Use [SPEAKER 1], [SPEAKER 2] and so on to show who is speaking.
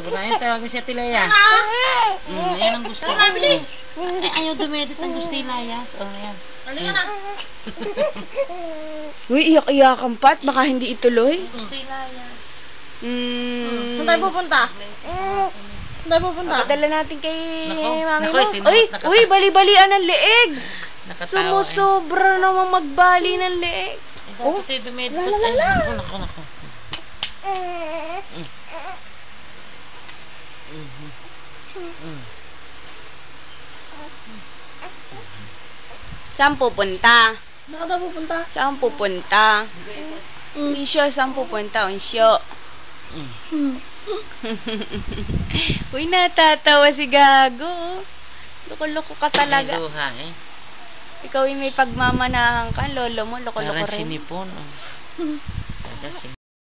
[SPEAKER 1] Burahin tawagin si Tilaya. Yan ang gusto. Ay, ayaw dumedit ang gusto ilayas. O, yan.
[SPEAKER 2] Halika na.
[SPEAKER 3] Uy, iyak-iyakan pat. Baka hindi ituloy.
[SPEAKER 1] Gusto ilayas.
[SPEAKER 2] Saan tayo pupunta? Saan tayo pupunta?
[SPEAKER 3] Dala natin kay mami
[SPEAKER 1] Naku,
[SPEAKER 3] mo. Uy, bali-balian ng leeg.
[SPEAKER 1] Nakatawa
[SPEAKER 3] Sumusobra naman magbali ng leeg.
[SPEAKER 1] Oh, tayo dumedit. Naku.
[SPEAKER 3] Saan pupunta?
[SPEAKER 2] Saan tayo pupunta?
[SPEAKER 3] Saan pupunta? Unsyo, saan pupunta? Unsyo. Uy, natatawa si Gago. Loko-loko ka talaga.
[SPEAKER 1] May luha eh.
[SPEAKER 3] Ikaw yung may pagmamanahan ka. Lolo mo, loko-loko
[SPEAKER 1] Parang
[SPEAKER 3] rin.
[SPEAKER 1] sinipon.